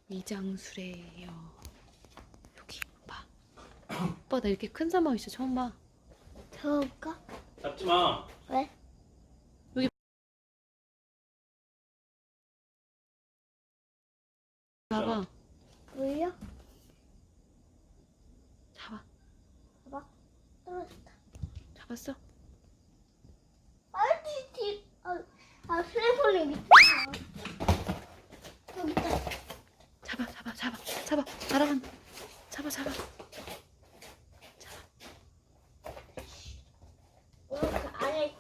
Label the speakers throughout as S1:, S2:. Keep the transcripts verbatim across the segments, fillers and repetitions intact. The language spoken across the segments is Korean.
S1: 이장수래요. 여기 봐. 오빠 나 이렇게 큰 사막 있어 처음 봐.
S2: 잡을까?
S3: 잡지 마.
S2: 왜?
S1: 여기 봐봐.
S2: 보여?
S1: 잡아.
S2: 봐봐. 떨어졌다.
S1: 잡았어?
S2: 아, 뒤, 아, 아, 슬리퍼리 밑에. 여기 있다.
S1: 잡아 잡아 잡아 잡아 날아간다. 잡아 잡아.
S2: 이렇게 안에.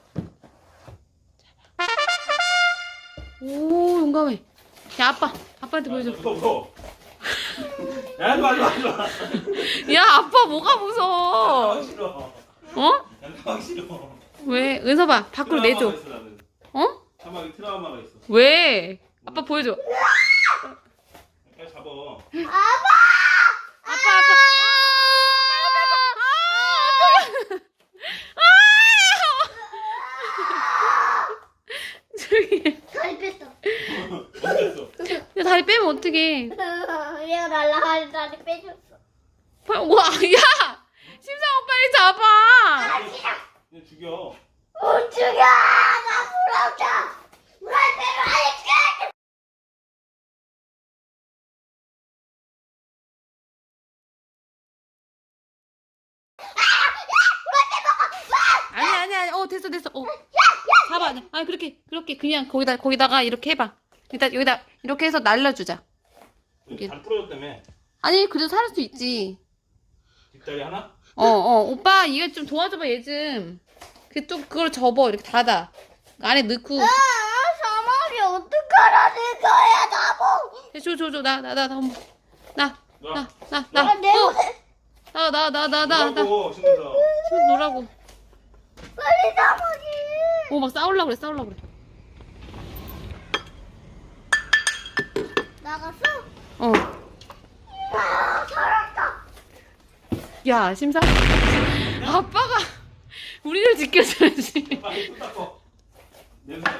S1: 오 용감해. 야 아빠 아빠한테 보여줘.
S3: 무서워, 무서워. 야, 하지 마, 하지 마, 하지 마.
S1: 야 아빠 뭐가 무서워?
S3: 나가기 싫어.
S1: 어?
S3: 난 나가기 싫어.
S1: 왜? 은서봐 밖으로 내줘.
S3: 트라우마가 있어, 나는.
S1: 어?
S3: 사막에 트라우마가 있어.
S1: 왜? 아빠 보여줘.
S3: 빨리 잡아.
S2: 아빠!
S1: 아빠 아빠. 저기.
S2: 다리 뺐어.
S3: 언제 했어?
S1: 야 다리 빼면 어떡해?
S2: 얘가 날라가는 다리 빼줬어.
S1: 와, 야! 심상호 빨리 잡아!
S3: 그냥 죽여.
S2: 못 죽여! 나 불안다! 불안대로 하니까!
S1: 아니, 아니, 아니, 어, 됐어, 됐어. 어. 잡아. 아니, 그렇게, 그렇게, 그냥 거기다, 거기다가 이렇게 해봐. 여기다, 여기다, 이렇게 해서 날려주자. 이게-
S3: 발 부러졌다며.
S1: 아니, 그래도 살을 수 있지.
S3: 뒷다리 하나?
S1: 어, 어, 오빠, 이거 좀 도와줘봐, 얘 좀. 그, 좀, 그걸 접어. 이렇게 닫아. 안에 넣고.
S2: 아, 사막이 어떡하라는 거야, 나보!
S1: 줘, 줘, 줘. 나, 나, 나, 나, 한번. 나, 나, 나,
S2: 아,
S1: 나.
S2: 내
S1: 어,
S2: 옷에
S1: 나, 나, 나, 나, 나, 나.
S3: 뭐라고, 신문서.
S1: 좀 놀라고.
S2: 빨리 사막이!
S1: 오, 막 싸우려고 그래, 싸우려고 그래.
S2: 나갔어?
S1: 어.
S2: 아, 살았다!
S1: 야, 심사. 아빠가 우리를 지켜줘야지.
S3: 빨리 손 닦어. 냄새 나고.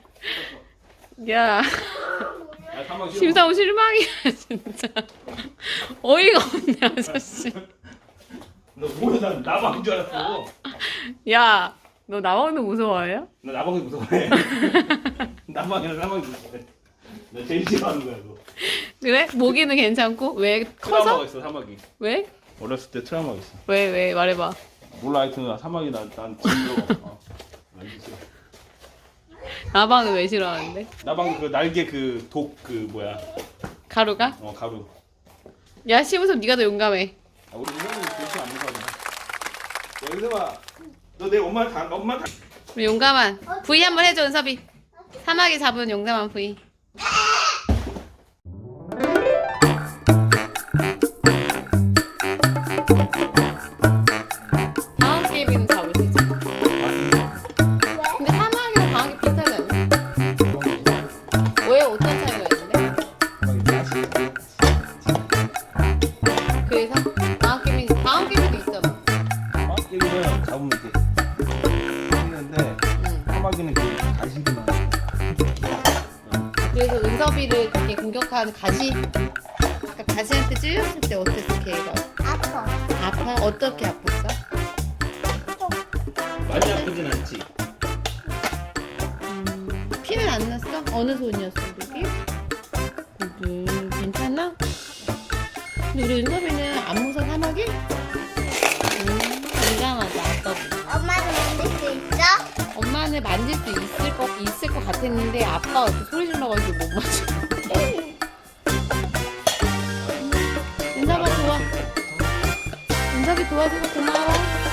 S1: 야,
S3: 야, 사막 싫어.
S1: 심사오 실망이야, 진짜. 어이가 없네, 아저씨.
S3: 너 뭐야, 난 나방인 줄 알았어.
S1: 야, 너 나방도 무서워해요?
S3: 나 나방이 무서워해. 나방이랑 나방이 무서워해. 나 제일 싫어하는 거야, 그거.
S1: 그래? 모기는 괜찮고? 왜?
S3: 트라우마가
S1: 커서?
S3: 있어, 사막이.
S1: 왜?
S3: 어렸을 때 트라우마가 있어.
S1: 왜, 왜? 말해봐.
S3: 몰라, 하여튼 사막이 난, 난 진짜. 어. 난 싫어.
S1: 나방은 왜 싫어하는데?
S3: 나방 그 날개 그 독 그 뭐야?
S1: 가루가?
S3: 어 가루.
S1: 야, 심우섭 네가 더 용감해.
S3: 아, 우리 이모는 그렇게 안 무서워. 여기서 봐. 너 내 엄마 다 엄마 다.
S1: 우리 용감한 V 한번 해줘, 은섭이. 사막에 잡은 용감한 V. 다음 게임에는 잡을 수 있어. 근데 사막이랑 방학이 비슷하지 않냐? 왜 어떤 차이가 있는데? 그래서 방학 게임이 방학 게임도 있잖아.
S3: 사막이는 잡으면 이렇게 했는데
S1: 응.
S3: 사막이는 그 가시기만.
S1: 그래서 은섭이를 그렇게 공격한 가시. 아까 가시한테 찔렸을 때 어땠어, 걔가?
S2: 아파.
S1: 아파? 어떻게 아팠어?
S3: 많이 아프진 않지.
S1: 음, 피는 안 났어? 어느 손이었어, 여기? 음, 괜찮아? 근데 우리 은섭이는 안 무서워, 사막이? 음, 굉장하다, 아빠보다.
S2: 엄마는 만들 수 있어?
S1: 엄마는 만질 수 있을 것, 있을 것 같았는데 아빠가 그 소리 질러가지고 못 맞춰. 은섭아, 좋아. 은섭이 도와줘서 고마워.